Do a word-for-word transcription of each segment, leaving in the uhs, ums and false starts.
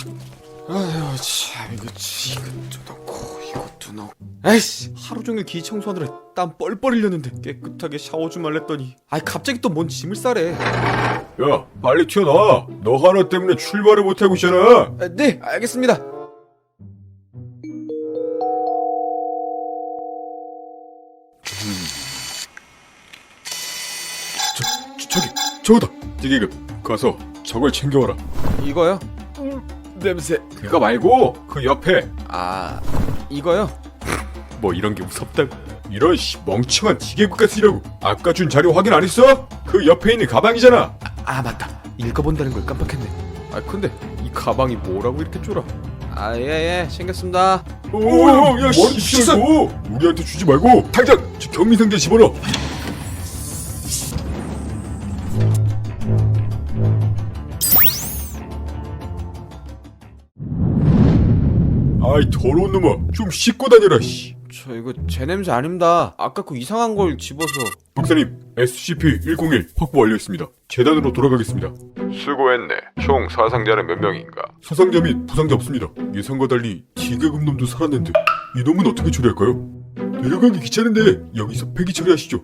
아휴 참 이거 이것도 넣고 이것도 넣고 에이씨 하루 종일 기 청소하느라 땀 뻘뻘 흘렸는데 깨끗하게 샤워 좀 할랬더니 아이 갑자기 또 뭔 짐을 싸래. 야 빨리 튀어나와. 너 하나 때문에 출발을 못하고 있잖아. 아, 네 알겠습니다. 저, 저, 저기 저거다. 디계급 가서 저걸 챙겨와라. 이거요? 냄새. 그거 말고 그 옆에. 아 이거요? 뭐 이런 게 무섭다고. 이런 씨 멍청한 디계급 같으라고. 아까 준 자료 확인 안 했어? 그 옆에 있는 가방이잖아. 아, 아 맞다 읽어본다는 걸 깜빡했네. 아 근데 이 가방이 뭐라고 이렇게 쫄아. 아 예예 챙겼습니다. 오야 머리 씻어. 우리한테 주지 말고 당장 저 경미상자에 집어넣어. 아이 더러운 놈아 좀 씻고 다녀라. 씨. 저 이거 제 냄새 아닙니다. 아까 그 이상한 걸 집어서. 박사님 에스시피 백일 확보 완료했습니다. 재단으로 돌아가겠습니다. 수고했네. 총 사상자는 몇 명인가? 사상자 및 부상자 없습니다. 예상과 달리 D계급 놈도 살았는데 이 놈은 어떻게 처리할까요? 내려가기 귀찮은데 여기서 폐기 처리하시죠.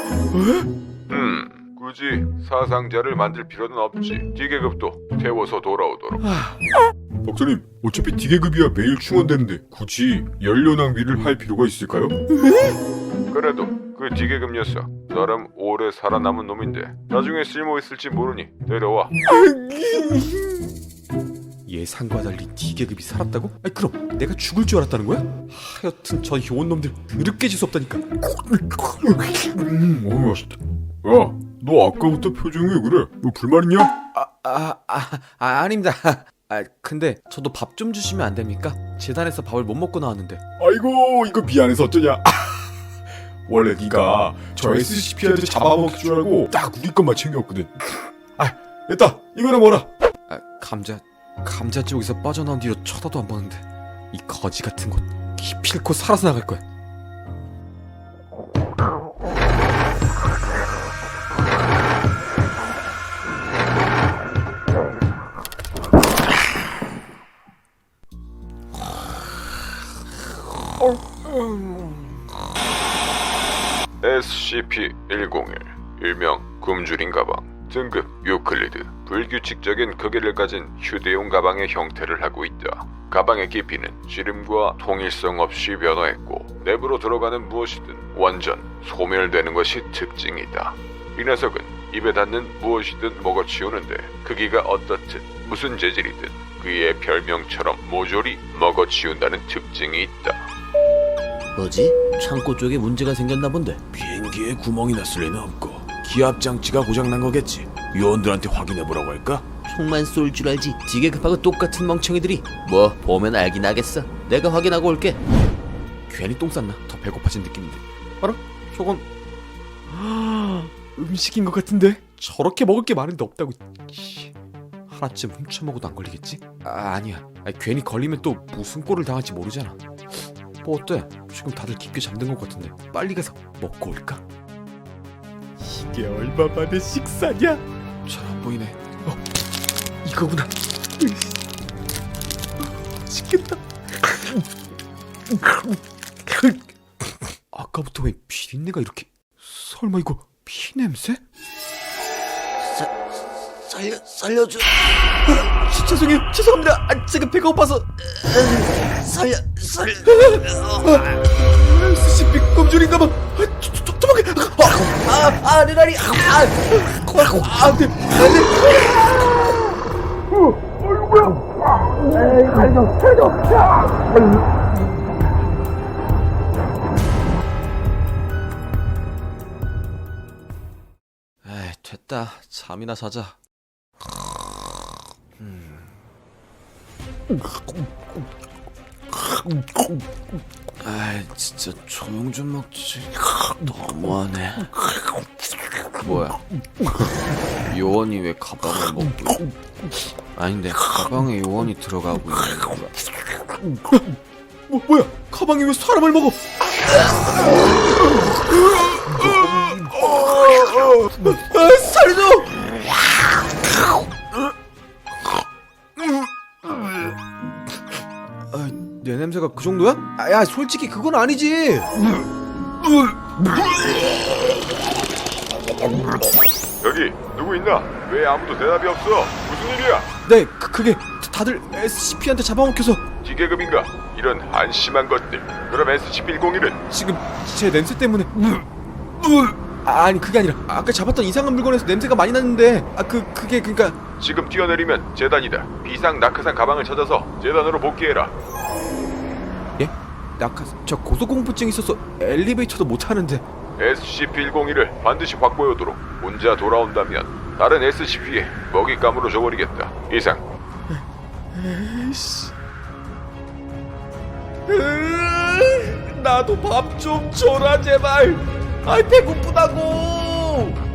음, 굳이 사상자를 만들 필요는 없지. D계급도 태워서 돌아오도록. 박사님 어차피 D계급이야 매일 충원되는데 굳이 연료 낭비를 할 필요가 있을까요? 그래도 그 D계급 녀석 나름 오래 살아남은 놈인데 나중에 쓸모 있을지 모르니 데려와. 예상과 달리 D계급이 살았다고? 아니 그럼 내가 죽을 줄 알았다는 거야? 하여튼 저 효원놈들 그렇게 지수없다니까. 음, 너무 맛있다. 야, 너 아까부터 표정이 왜 그래? 너 불만 있냐? 아, 아, 아, 아 아닙니다. 아 근데 저도 밥 좀 주시면 안 됩니까? 재단에서 밥을 못 먹고 나왔는데. 아이고 이거 미안해서 어쩌냐. 원래 네가 저 에스시피한테 잡아먹을 줄 알고 딱 우리 것만 챙겨왔거든. 아 됐다 이거는 뭐라. 아 감자 감자 쪽에서 빠져나온 뒤로 쳐다도 안 보는데 이 거지 같은 곳 기필코 살아서 나갈 거야. 에스시피 백일 일명 굶주린 가방, 등급 유클리드, 불규칙적인 크기를 가진 휴대용 가방의 형태를 하고 있다. 가방의 깊이는 지름과 통일성 없이 변화했고 내부로 들어가는 무엇이든 완전 소멸되는 것이 특징이다. 이 녀석은 입에 닿는 무엇이든 먹어치우는데 크기가 어떻든 무슨 재질이든 그의 별명처럼 모조리 먹어치운다는 특징이 있다. 뭐지? 창고 쪽에 문제가 생겼나 본데. 비행기에 구멍이 났을 리는 없고 기압 장치가 고장난 거겠지. 요원들한테 확인해보라고 할까? 총만 쏠 줄 알지. D계급하고 똑같은 멍청이들이. 뭐 보면 알긴 하겠어. 내가 확인하고 올게. 괜히 똥 쌌나? 더 배고파진 느낌인데. 알아? 저건 음식인 것 같은데? 저렇게 먹을 게 많은데 없다고. 씨. 하나쯤 훔쳐먹어도 안 걸리겠지? 아 아니야. 아니, 괜히 걸리면 또 무슨 꼴을 당할지 모르잖아. 뭐 어때? 지금 다들 깊게 잠든 것 같은데 빨리 가서 먹고 올까? 이게 얼마 만에 식사냐? 잘 안 보이네. 어 이거구나. 맛있겠다. 아까부터 왜 비린내가 이렇게. 설마 이거 피 냄새? 사, 살려 살려줘. 지, 죄송해요 죄송합니다. 아, 제가 배가 고파서. 살려 살려. 에스시피 껌줄인가봐. 아, 저, 저, 도망가. 아아 내 다리. 아, 아, 네, 에이, 됐다. 잠이나 자자. 음. 아이, 진짜 조용 좀 먹지. 너무하네. 뭐야? 요원이 왜 가방을 먹고? 아닌데 가방에 요원이 들어가고 있는 거야. 뭐 뭐야? 가방이 왜 사람을 먹어? 아, 살려줘! 그 정도야? 아, 야 솔직히 그건 아니지. 여기 누구 있나? 왜 아무도 대답이 없어? 무슨 일이야? 네 그, 그게 다들 에스시피한테 잡아먹혀서 기계급인가? 이런 한심한 것들. 그럼 에스시피 백일은 지금 제 냄새 때문에. 아, 아니 그게 아니라 아까 잡았던 이상한 물건에서 냄새가 많이 났는데 아 그 그게 그니까 지금 뛰어내리면 재단이다. 비상 낙하산 가방을 찾아서 재단으로 복귀해라. 예? 낙하 저 고소공포증 있어서 엘리베이터도 못 타는데. 에스시피 백일을 반드시 확보해오도록. 혼자 돌아온다면 다른 에스시피에 먹잇감으로 줘버리겠다. 이상. 에이씨. 나도 밥 좀 줘라 제발. 아이 배고프다고.